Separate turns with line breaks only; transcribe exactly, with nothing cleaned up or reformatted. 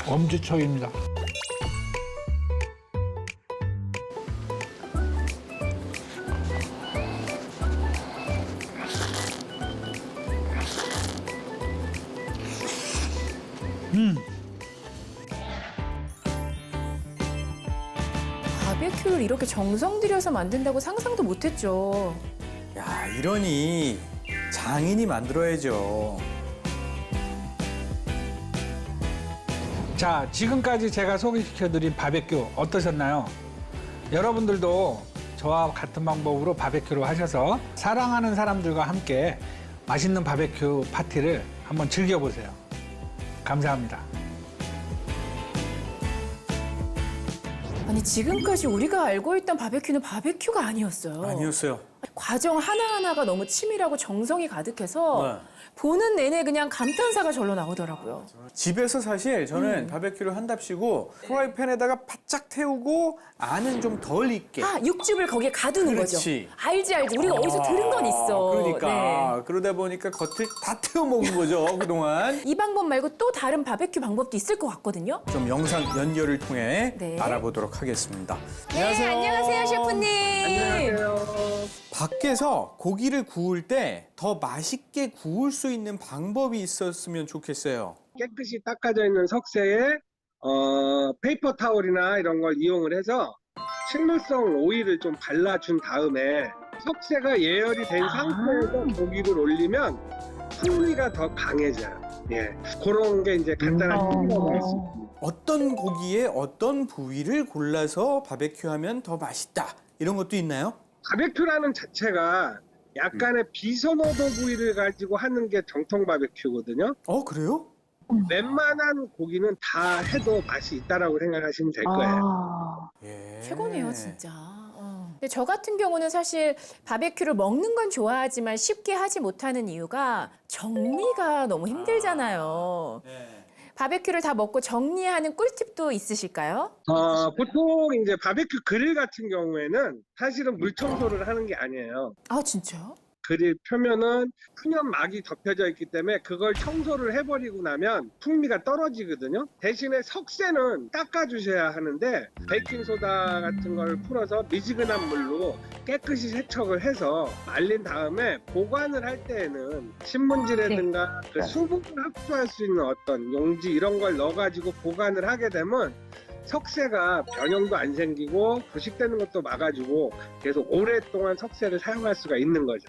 엄지척입니다. 음.
바베큐를 이렇게 정성 들여서 만든다고 상상도 못했죠.
야, 이러니 장인이 만들어야죠.
자, 지금까지 제가 소개시켜드린 바베큐 어떠셨나요? 여러분들도 저와 같은 방법으로 바베큐를 하셔서 사랑하는 사람들과 함께 맛있는 바베큐 파티를 한번 즐겨보세요. 감사합니다.
아니 지금까지 우리가 알고 있던 바베큐는 바베큐가 아니었어요.
아니었어요.
과정 하나하나가 너무 치밀하고 정성이 가득해서
네.
보는 내내 그냥 감탄사가 절로 나오더라고요.
집에서 사실 저는
음.
바베큐를 한답시고 프라이팬에다가 바짝 태우고 안은 좀 덜 익게.
아, 육즙을 거기에 가두는
그렇지.
거죠. 알지 알지. 우리가 어디서 들은 건 있어.
그러니까
네.
그러다 보니까 겉을 다 태워 먹은 거죠 그동안.
이 방법 말고 또 다른 바베큐 방법도 있을 것 같거든요.
좀 영상 연결을 통해
네.
알아보도록 하겠습니다.
네, 안녕하세요, 셰프님.
안녕하세요.
밖에서 고기를 구울 때 더 맛있게 구울 수 있는 방법이 있었으면 좋겠어요.
깨끗이 닦아져 있는 석쇠에 어, 페이퍼 타월이나 이런 걸 이용을 해서 식물성 오일을 좀 발라준 다음에 석쇠가 예열이 된 상태에서 고기를 올리면 풍미가 더 강해져요. 예, 그런 게 이제 간단한 팁이라고 할 수 있습니다.
어떤 고기에 어떤 부위를 골라서 바베큐하면 더 맛있다 이런 것도 있나요?
바베큐라는 자체가 약간의 비선호도 부위를 가지고 하는 게 정통 바베큐거든요.
어 그래요?
웬만한 고기는 다 해도 맛이 있다라고 생각하시면 될 거예요.
아,
예.
최고네요, 진짜. 어. 근데 저 같은 경우는 사실 바베큐를 먹는 건 좋아하지만 쉽게 하지 못하는 이유가 정리가 너무 힘들잖아요.
네.
바베큐를 다 먹고 정리하는 꿀팁도 있으실까요?
어, 보통 이제 바베큐 그릴 같은 경우에는 사실은 물 청소를 하는 게 아니에요.
아, 진짜요?
그릴 표면은 표면 막이 덮여져 있기 때문에 그걸 청소를 해버리고 나면 풍미가 떨어지거든요. 대신에 석쇠는 닦아주셔야 하는데 베이킹소다 같은 걸 풀어서 미지근한 물로 깨끗이 세척을 해서 말린 다음에 보관을 할 때에는 신문지라든가 그 수분을 흡수할 수 있는 어떤 용지 이런 걸 넣어가지고 보관을 하게 되면 석쇠가 변형도 안 생기고 부식되는 것도 막아주고 계속 오랫동안 석쇠를 사용할 수가 있는 거죠.